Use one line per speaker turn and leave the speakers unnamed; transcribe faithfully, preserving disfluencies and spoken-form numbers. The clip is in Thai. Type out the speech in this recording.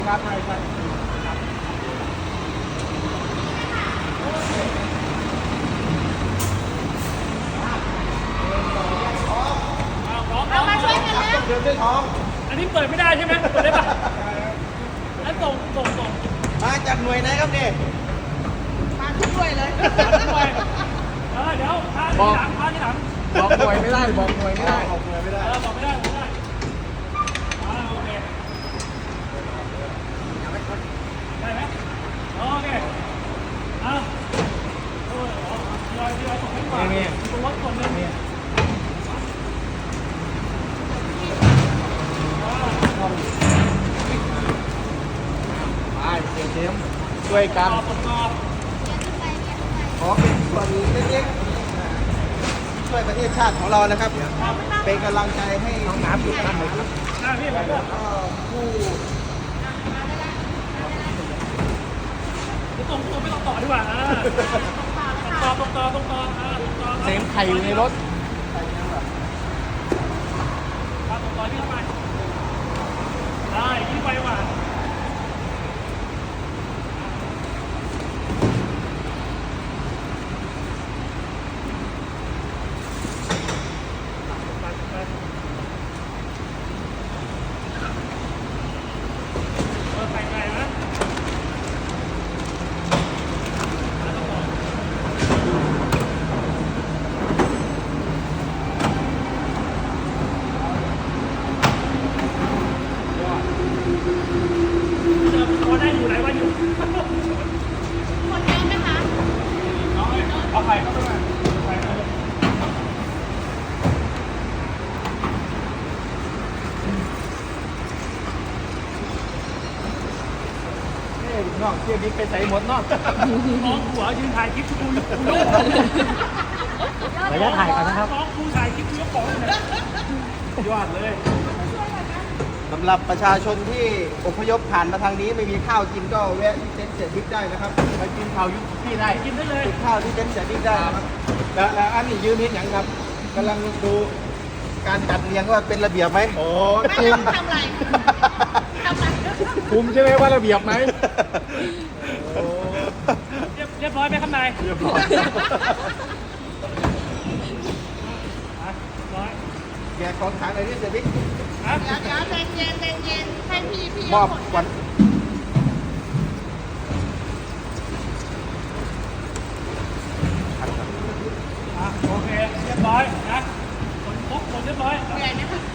ครับใช่ใช่
เอามาช่วยกันแล้ว
เดินด้วยท้อง
อันนี้เปิดไม่ได้ใช่ไหมเปิดได้ปะแล้วส่งส่งส่ง
มาจากหน่วยไหนครับเนี่ย
มาทุกหน่วยเลย
ด้วยเออเดี๋ยวพาที่หลังพาที่หลัง
บอกหน่วยไม่ได้บอกหน่วยไม่ได้
ออกหน่วยไม่ได้
เออบอกไม่ได้บอกไม่ได้อ่าโอเคได้ไหมโอเคเอาโอ้ยทยอยทยอยส่งให้ก่อนตัววัดส่งเลย
ไปเสียเจมช่วยกัน
ต่อส่งต่อ
ขอเป็นส่วนเล็กๆช่วยประเทศชาติของเรานะครับ เป็นกำลังใจให้
น้องน้ำอยู่นั่นเลยครับ
หน้าพี่ไปด้วย
เอ่อผู้
ตรงตรงไม่ต้องต่อดีกว่าอ่าต่อตรงต่อตรงต่ออ่าตรงต่อ
เซมไข่อยู่ในรถ
อ่าตรงต่อพี่เข้าไปได้ยิ่งไปกว่าเออใส่ไก่นะเจอพอได้อยู่ไหนวะอยู่
คนเยอะไหมคะ
เอาไงเอาไข่เข้าไปไหมไข่เข้าไป
เอ้ยน้องเที่ยวนี้ไปใส่หมดเนาะ
น้องหัวยืนถ่ายคลิปกูยกกูยก
ระยะถ่ายกันนะครับ
น้องกูถ่ายคลิปกูยกของเลยยอดเลย
สำหรับประชาชนที่อพยพผ่านมาทางนี้ไม่มีข้าวกินก็แวะที่เต็นท์เสียบิ๊กได้นะครับ
ไปกินข้าวยุพี่ได้
กินได้เลย
กินข้าวที่เต็นท์เสียบิ๊กได้นะครับแล้วแล้วอันนี้ยืนนิดอย่างครับกำลังดูการจัดเรียงว่าเป็นระเบียบไหมโอ้
ไม่ได้ทำอะไรทำอะไร
คุมใช่ไหมว่าระเบียบไหม
เรียบเรียบร้อยไหมข้างในเรียบร้อยร้อย
แกะของขายในที่เสียบิ๊ก
ฮะ
เดี๋ยวเดี๋ยวใจเย็นใจเย็นให้พี่พี่
มอบขวัญ
อ่ะโอเคเรียบร้อยนะผลครบหมดเรียบร้อย
เหนื่อยไหมคะ